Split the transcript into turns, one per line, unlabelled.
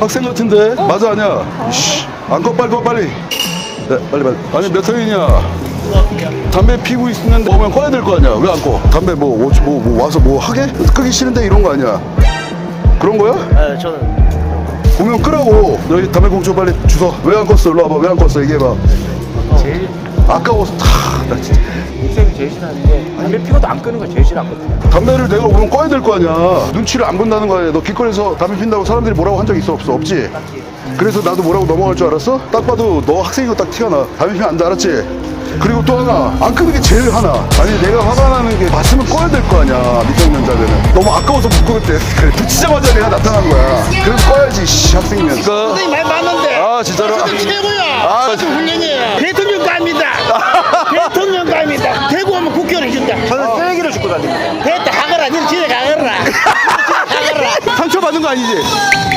학생 같은데? 맞아, 아니야? 씨, 안 꺼, 빨리 꺼, 빨리. 네, 빨리. 아니, 몇 학년이냐? 담배 피고 있는 거 보면 꺼야 될 거 아니야? 왜 안 꺼? 담배 뭐 와서 뭐 하게? 끄기 싫은데 이런 거 아니야? 그런 거야?
네, 저는
보면 끄라고. 너희 담배 공주 빨리 주워. 왜 안 껐어? 일로 와봐. 왜 안 껐어? 얘기해봐.
제일
아까워서 나 진짜.
인생이 제일 싫어하는 게 담배 피고도 안 끄는 거 제일 싫어하거든요.
담배를 내가 오면 꺼야 될 거 아니야. 눈치를 안 본다는 거 아니야. 너 길거리에서 담배 핀다고 사람들이 뭐라고 한 적 있어? 없어? 없지? 그래서 나도 뭐라고 넘어갈 줄 알았어? 딱 봐도 너 학생인 거 딱 티가 나. 담배 피면 안 돼, 알았지? 그리고 또 하나, 안 끄는 게 제일 하나. 아니, 내가 화가 나는 게 봤으면 꺼야 될 거 아니야, 미성년자들은. 너무 아까워서 못 끄겠대. 그래, 붙이자마자 내가 나타난 거야. 그래서 꺼야지, 씨, 학생이면.
선생님 말 맞는데.
아, 진짜로?
최고야.
아,
아주 훈련이에요. 대통령감이다. 대통령감이다. 대구 오면 국교를 준다.
저는 쓰레기를 줍고 다닙니다.
됐다 하거라. 니는 집에 가거라.
상처 받은 거 아니지?